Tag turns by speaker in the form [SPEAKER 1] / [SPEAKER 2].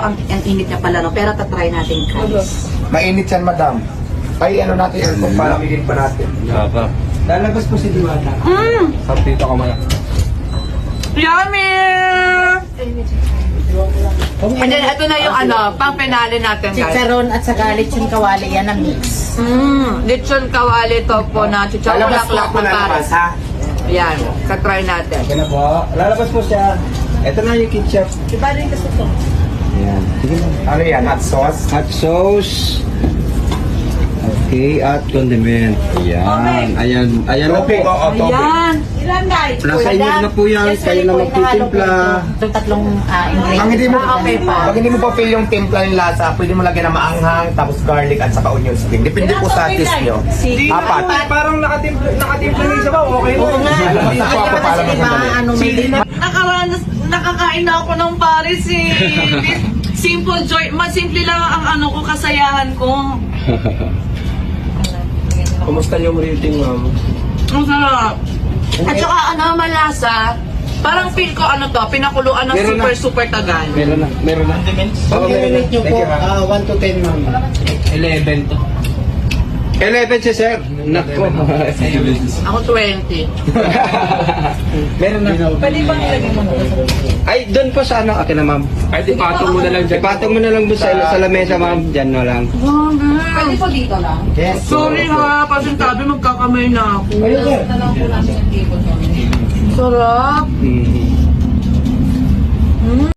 [SPEAKER 1] ang init niya pala, no? Pero tatry natin, guys.
[SPEAKER 2] Mainit yan, madam. Ay, ano natin yun kung palamigin pa natin.
[SPEAKER 3] Sarap.
[SPEAKER 2] Lalabas po si Diwata.
[SPEAKER 3] Sarap dito ka maya.
[SPEAKER 1] Yummy! And then, ito na yung pang penale natin, guys.
[SPEAKER 4] Chicharon at saka lechon kawali, yan ang mix.
[SPEAKER 1] Lechon kawali topo na chicharon
[SPEAKER 2] Lalabas po
[SPEAKER 1] laklak
[SPEAKER 2] ako
[SPEAKER 1] na
[SPEAKER 2] lalabas,
[SPEAKER 1] pares.
[SPEAKER 2] ha?
[SPEAKER 1] Ayan, katry natin.
[SPEAKER 3] Okay na po. Lalabas po siya. Ito na yung ketchup.
[SPEAKER 4] Diba rin kasi ito?
[SPEAKER 3] Ayan. Sige na.
[SPEAKER 2] Ano yan? Hot sauce?
[SPEAKER 3] Hot sauce. Okay, at condiment. Ayan. Ayan na po.
[SPEAKER 2] Topping, oo, topping.
[SPEAKER 1] Ayan.
[SPEAKER 4] Ilan guys?
[SPEAKER 3] Nasa inyo na po yan. Kayo na magtitimpla.
[SPEAKER 4] Itong tatlong ingredients.
[SPEAKER 2] Ang hindi mo,
[SPEAKER 1] Okay pa.
[SPEAKER 2] pag hindi mo pa feel yung timpla ng lasa, pwede mo lagyan ng maanghang, tapos garlic at saka onion string. Depende po sa taste nyo. Apat.
[SPEAKER 3] Parang nakatimpla ng isa ba? Okay mo.
[SPEAKER 4] Oo nga.
[SPEAKER 2] Lalabas po ako para
[SPEAKER 4] Kasi diba,
[SPEAKER 2] magandali.
[SPEAKER 4] may
[SPEAKER 1] Nakakain na ako ng pares eh. Simple joy. Simple lang ang ko, kasayahan ko.
[SPEAKER 3] Kumusta yung rating, ma'am?
[SPEAKER 1] Ang sarap. At saka malasa. Parang feel ko pinakuluan ng
[SPEAKER 3] Meron na.
[SPEAKER 1] super tagal.
[SPEAKER 3] Meron na. Meron na. Oo, meron na.
[SPEAKER 5] nyo po, 1 to 10 ma'am.
[SPEAKER 3] 11 to. 11 si sir. Nako.
[SPEAKER 1] Ako 20.
[SPEAKER 3] Meron na.
[SPEAKER 4] Pwede bang ilagay mo na?
[SPEAKER 3] Ay, doon po sa akin na ma'am. Ay, ipatong mo na lang dyan. Ipatong mo na lang doon sa lamesa ma'am. Dyan na lang.
[SPEAKER 4] Pwede po dito lang.
[SPEAKER 5] Yes.
[SPEAKER 1] Sorry ha, pasintabi magkakamay na ako.
[SPEAKER 5] Ayun, sir.
[SPEAKER 4] Na lang po namin yung table.
[SPEAKER 1] Sarap.
[SPEAKER 3] Mm.